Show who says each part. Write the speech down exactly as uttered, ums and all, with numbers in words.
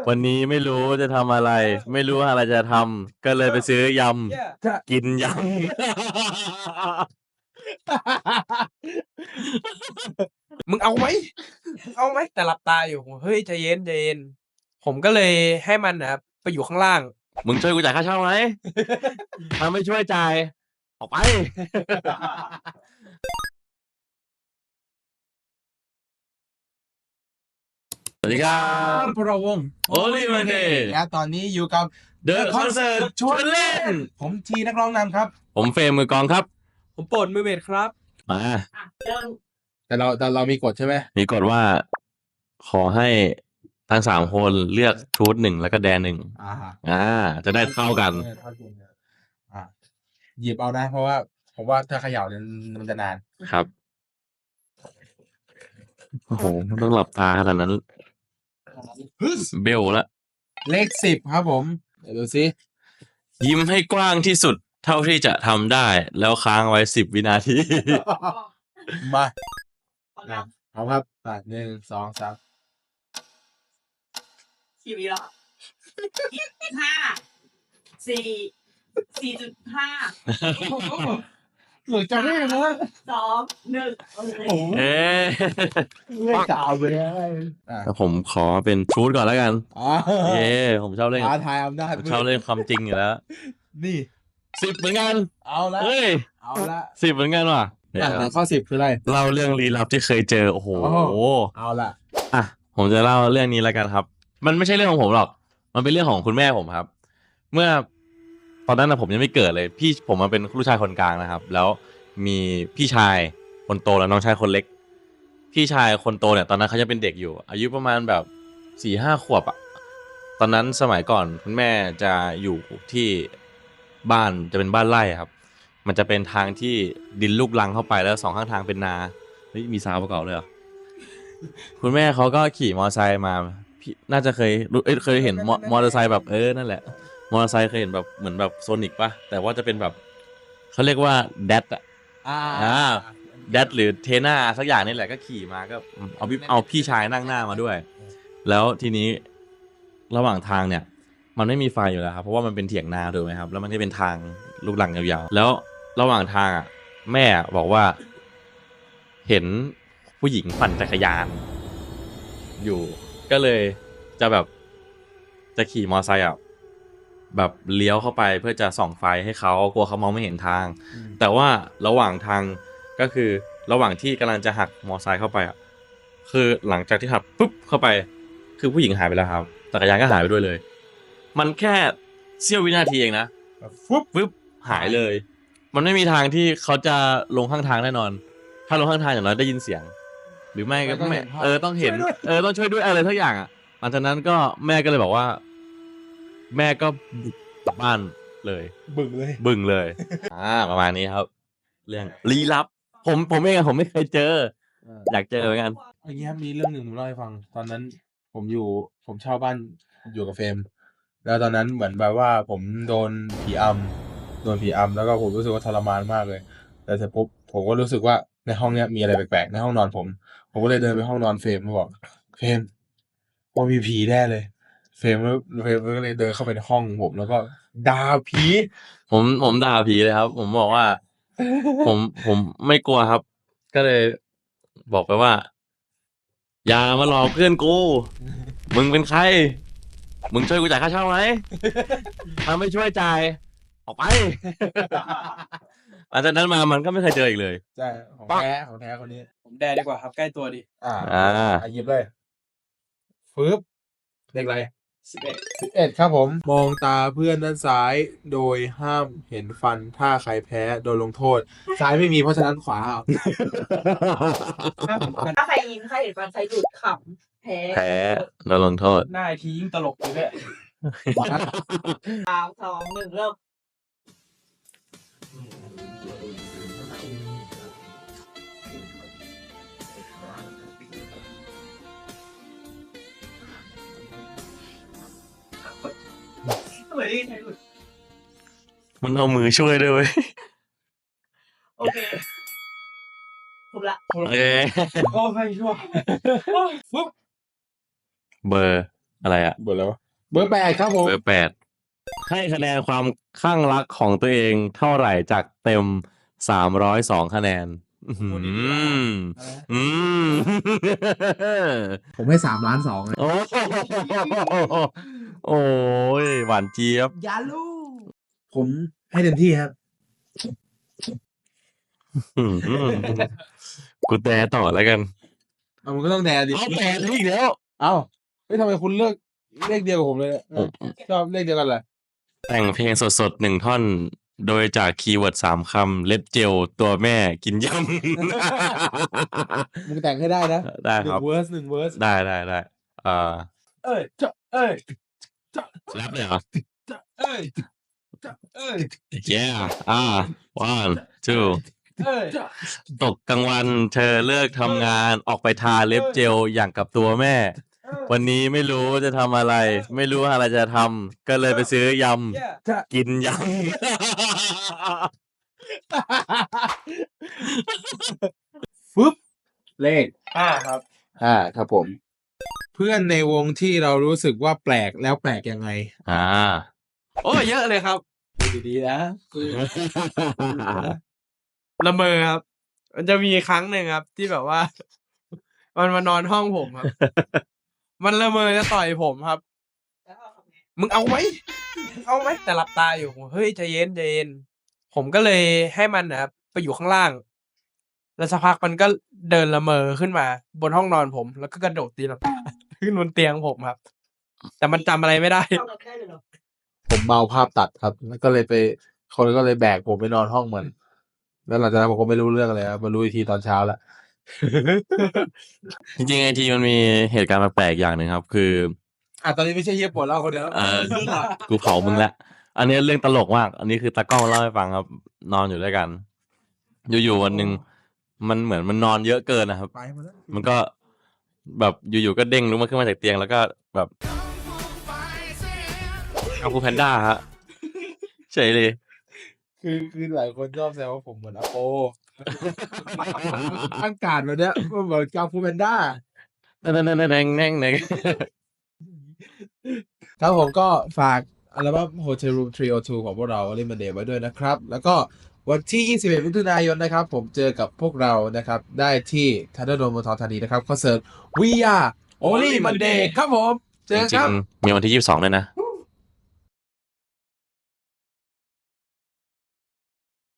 Speaker 1: วันนี้ไม่รู้จะทำอะไร ไม่รู้อะไรจะทำก็เลยไปซื้อยำกินยำ
Speaker 2: มึงเอาไหมเอาไหมแต่หลับตาอยู่เฮ้ยใจเย็นใจเย็นผมก็เลยให้มันนะครับไปอยู่ข้างล่าง
Speaker 1: มึงช่วยกูจ่ายค่าเช่าไหม ถ้าไม่ช่วยจ่ายออกไป สวัสดีครับ
Speaker 2: พวกเราวง
Speaker 1: Only Monday
Speaker 2: และตอนนี้อยู่กับ
Speaker 1: The Concert ชวนเล่น
Speaker 2: ผมทีนักร้องนำครับ
Speaker 1: ผมเฟรมมือกลองครับ
Speaker 2: ผมโปรดมือเบสครับ
Speaker 1: มา
Speaker 2: แต่เราแต่เรามีกฎใช่ไหม
Speaker 1: มีกฎว่าขอให้ทั้งสามคนเลือกชูดหนึ่งแล้วก็แดนหนึ่งอ่าอ่าจะได้เท่ากัน
Speaker 2: อ่าหยิบเอานะเพราะว่าผมว่าถ้าเขย่าเนี่ยมันจะนาน
Speaker 1: ครับโอ้โหต้องหลับตาขนาดนั้นเบลละ
Speaker 2: เลขสิบครับผมเดี๋ยวดูสิ
Speaker 1: ยิ้มให้กว้างที่สุดเท่าที่จะทำได้แล้วค้างไว้สิบวินาที
Speaker 2: มาเอาครับอ่ะหนึ่งสองสาม
Speaker 3: กี่วิแล้วห้าสี่สี่จุดห้า
Speaker 2: หรือจะไม่นะ
Speaker 3: สองหนึ่ง
Speaker 1: โอ้เอ๊ะ
Speaker 2: ไม่กล่าวไปเลย
Speaker 1: ผมขอเป็นชูดก่อนแล้วกันเอ๊ผมชอบเล่น
Speaker 2: ท้าทายอำนาจ
Speaker 1: ชอบเล่นความจริงอยู่แล้ว
Speaker 2: นี่
Speaker 1: สิบเหมือนกัน
Speaker 2: เอาละ
Speaker 1: เฮ้ย
Speaker 2: เอาละ
Speaker 1: สิบเหมือนกันว่ะ
Speaker 2: ข้อสิบคืออะไร
Speaker 1: เล่าเรื่องลี้ลับที่เคยเจอโอ้โห
Speaker 2: เอาละ
Speaker 1: อ่ะผมจะเล่าเรื่องนี้แล้วกันครับมันไม่ใช่เรื่องของผมหรอกมันเป็นเรื่องของคุณแม่ผมครับเมื่อตอนนั้นนะผมยังไม่เกิดเลยพี่ผมมาเป็นลูกชายคนกลางนะครับแล้วมีพี่ชายคนโตและน้องชายคนเล็กพี่ชายคนโตเนี่ยตอนนั้นเขาจะเป็นเด็กอยู่อายุประมาณแบบสี่ห้าขวบอ่ะตอนนั้นสมัยก่อนคุณแม่จะอยู่ที่บ้านจะเป็นบ้านไร่ครับมันจะเป็นทางที่ดินลูกรังเข้าไปแล้วสองข้างทางเป็นนาเฮ้ยมีซาวประกอบเลยเหรอคุณแม่เขาก็ขี่มอเตอร์ไซค์มาพี่น่าจะเคยเอ้ยเคยเห็นมอเตอร์ไซค์แบบเออนั่นแหละมอเตอร์ไซค์เคยเห็นแบบเหมือนแบบโซนิกป่ะแต่ว่าจะเป็นแบบเขาเรียกว่าแดดอ่ะอ่าแดดหรือเทน่าสักอย่างนี่แหละก็ขี่มาก็เอาพี่เอาพี่ชายนั่งหน้ามาด้วยแล้วทีนี้ระหว่างทางเนี่ยมันไม่มีไฟอยู่แล้วครับเพราะว่ามันเป็นเถียงนาถูกไหมครับแล้วมันก็เป็นทางลูกรังยาวๆแล้วระหว่างทางอ่ะแม่บอกว่าเห็นผู้หญิงปั่นจักรยานอยู่ก็เลยจะแบบจะขี่มอเตอร์ไซค์อ่ะแบบเลี้ยวเข้าไปเพื่อจะส่องไฟให้เขากลัวเขามองไม่เห็นทางแต่ว่าระหว่างทางก็คือระหว่างที่กำลังจะหักมอเตอร์ไซค์เข้าไปอ่ะคือหลังจากที่หักปุ๊บเข้าไปคือผู้หญิงหายไปแล้วครับจักรยานก็หายไปด้วยเลยมันแค่เสี้ยววินาทีเองนะปุ๊บปุ๊บหายเลยมันไม่มีทางที่เขาจะลงข้างทางแน่นอนถ้าลงข้างทางอย่างน้อยได้ยินเสียงหรือไม่ก็ไม่เออต้องเห็นเออต้องช่วยด้วยอะไรทุกอย่างอ่ะหลังจากนั้นก็แม่ก็เลยบอกว่าแม่ก็กลับบ้านเลย
Speaker 2: บึ้งเลย
Speaker 1: บึ้งเลยอ่าประมาณนี้ครับเรื่องลี้ลับผมผมเองผมไม่เคยเจออยากเจอเหมือนกัน
Speaker 2: อย่างเงี้ยมีเรื่องหนึ่งผมเล่าให้ฟังตอนนั้นผมอยู่ผมเช่าบ้านอยู่กับเฟรมแล้วตอนนั้นเหมือนแบบว่าผมโดนผีอำโดนผีอำแล้วก็ผมรู้สึกว่าทรมานมากเลยแต่เสร็จปุ๊บผมก็รู้สึกว่าในห้องเนี้ยมีอะไรแปลกๆในห้องนอนผมผมก็เลยเดินไปห้องนอนเฟรมมาบอกเฟรมว่ามีผีแน่เลยเฟรมเฟรมก็เลยเดินเข้าไปในห้องผมแล้วก็ด่าผี
Speaker 1: ผมผมด่าผีเลยครับผมบอกว่าผมผมไม่กลัวครับก็เลยบอกไปว่าอย่ามาหลอกเพื่อนกูมึงเป็นใครมึงช่วยกูจ่ายค่าเช่าไหมถ้าไม่ช่วยจ่ายออกไปหลังจากนั้นมามันก็ไม่เคยเจออีกเลย
Speaker 2: ใช่ของแท้ของแท้คนนี้ผมแดดีกว่าครับใกล้ตัวดิอ่า
Speaker 1: อ่า
Speaker 2: หยิบเลยฟึบเลขอะไรสิบเอ็ดสิบเอ็ดครับผมมองตาเพื่อนด้านซ้ายโดยห้ามเห็นฟันถ้าใครแพ้โดนลงโทษซ้ายไม่มีเพราะฉะนั้นขวาเอา
Speaker 3: ถ้าใครยิงใครเห็นฟันใครหลุดขำแพ้
Speaker 1: แพ้โดนลงโทษ
Speaker 2: หน้าทียิ่งตลกเลยเนี่ย
Speaker 3: สามสองหนึ่งเริ่ม
Speaker 1: มันเอามือช่วยด้วยเว้ย
Speaker 3: โอเคครบละ
Speaker 1: โอเค
Speaker 2: โอ้ไม่ช่วย
Speaker 1: เบอร์อะไรอะ
Speaker 2: เบอร์แล้วะเบอร์แปดครับผม
Speaker 1: เบอร์แปดให้คะแนนความข้างรักของตัวเองเท่าไหร่จากเต็มสามร้อยสองคะแนน อือหืออืม
Speaker 2: ผมให้สามล้านสองเลย
Speaker 1: โอ้โหโอ้ยหวานเจี๊ยบ
Speaker 3: อย่าลูก
Speaker 2: ผมให้เต็มที่ครับ
Speaker 1: อืมกูแต่ต่อแล้วกัน
Speaker 2: เอามันก็ต้องแดนดิ
Speaker 1: เอาแต่อีกแล้ว
Speaker 2: เอ้าเฮ้ยทำไมคุณเลือกเลขเดียวกับผมเลยเนี่ย
Speaker 1: ผม
Speaker 2: ชอบเลขเดียวกันเหรอ
Speaker 1: แต่งเพลงสดๆหนึ่งท่อน โดยจากคีย์เวิร์ดสามคำ เล็บเจลตัวแม่กินย
Speaker 2: มึงแต่งให้ได้นะ
Speaker 1: ำ ได้
Speaker 2: หนึ่
Speaker 1: ครับ
Speaker 2: งเวอร์สหนึ่งเวอร์ส
Speaker 1: ได้ได้ได้เอ่อ
Speaker 2: เอ้ยเจ้าเอ้ยเจ้า
Speaker 1: แรปเลยเหรอ
Speaker 2: เจ้าเอ้ยเจ้าเอ้ย
Speaker 1: yeah อ่า one two
Speaker 2: เอ้ย
Speaker 1: ตกกลางวันเธอเลิกทำงานออกไปทาเล็บเจลอย่างกับตัวแม่ วันนี้ไม่รู้จะทำอะไร ไม่รู้อะไรจะทำก็เลยไปซื้อย
Speaker 2: เจ้า
Speaker 1: ำ กินยำ
Speaker 2: ฟึบเลขห้าครับห้าครับผม เพื่อนในวงที่เรารู้สึกว่าแปลกแล้วแปลกยังไง
Speaker 1: อ่า
Speaker 4: โอ้เยอะเลยครับ
Speaker 2: ดูดีๆนะคือ
Speaker 4: ละเมอครับ มันจะมีครั้งหนึ่งครับ ที่แบบว่า มันมานอนห้องผมครับ มันละเมอจะต่อยผมครับ มึงเอาไหมมึงเอาไหมแต่หลับตาอยู่ผมเฮ้ยใจเย็นใจเย็นผมก็เลยให้มันนะครับไปอยู่ข้างล่าง แล้วสักพักมันก็เดินละเมอขึ้นมา บนห้องนอนผม แล้วก็กระโดดตีลังกา ขึ้นบนเตียงผมครับ แต่มันจำอะไรไม่ได้
Speaker 2: ผมเมาภาพตัดครับ แล้วก็เลยไปคนก็เลยแบกผมไปนอนห้องมัน แล้วหลังจากนั้นผมก็ไม่รู้เรื่องเลยครับมารู้อีกทีตอนเช้าละ
Speaker 1: จริงๆไอทีมันมีเหตุการณ์แปลกๆอย่างหนึ่งครับ คือ
Speaker 2: อ่ะตอนนี้ไม่ใช่เฮียปวดเล่าคนเดียวแล้ว
Speaker 1: เออ กูเผามึงแล้ว อันนี้เรื่องตลกมาก อันนี้คือตากล้องเล่าให้ฟังครับ นอนอยู่ด้วยกัน อยู่ๆวันหนึ่งมันเหมือนมันนอนเยอะเกินนะครับ
Speaker 2: ไปหมดแล้ว
Speaker 1: มันก็แบบอยู่ๆก็เด้งลุกมาขึ้นมาจากเตียงแล้วก็แบบเอาคูแพนด้าฮะเฉยเลย
Speaker 2: คือคือหลายคนชอบแซวว่าผมเหมือนอโป ตั้งการแบบเนี้ยมันเหมือนกาฟูแพนด้า
Speaker 1: นั่นนั่นนั่นนั่นนั่นนั่น
Speaker 2: ครับผมก็ฝากอัลบั้ม Hotel Room สามศูนย์สองของพวกเราเล่นมันเดย์ไว้ด้วยนะครับ แล้วก็วันที่ ยี่สิบเอ็ดมิถุนายนนะครับ ผมเจอกับพวกเรานะครับ ได้ที่ทันเดอร์โดมเมืองทองธานีนะครับคอนเสิร์ต We Are Only Monday ครับผม เจ
Speaker 1: จ
Speaker 2: อกัน
Speaker 1: ริ
Speaker 2: ค
Speaker 1: ง
Speaker 2: รับ
Speaker 1: ๆมีวันที่ยี่สิบสองด้วยนะ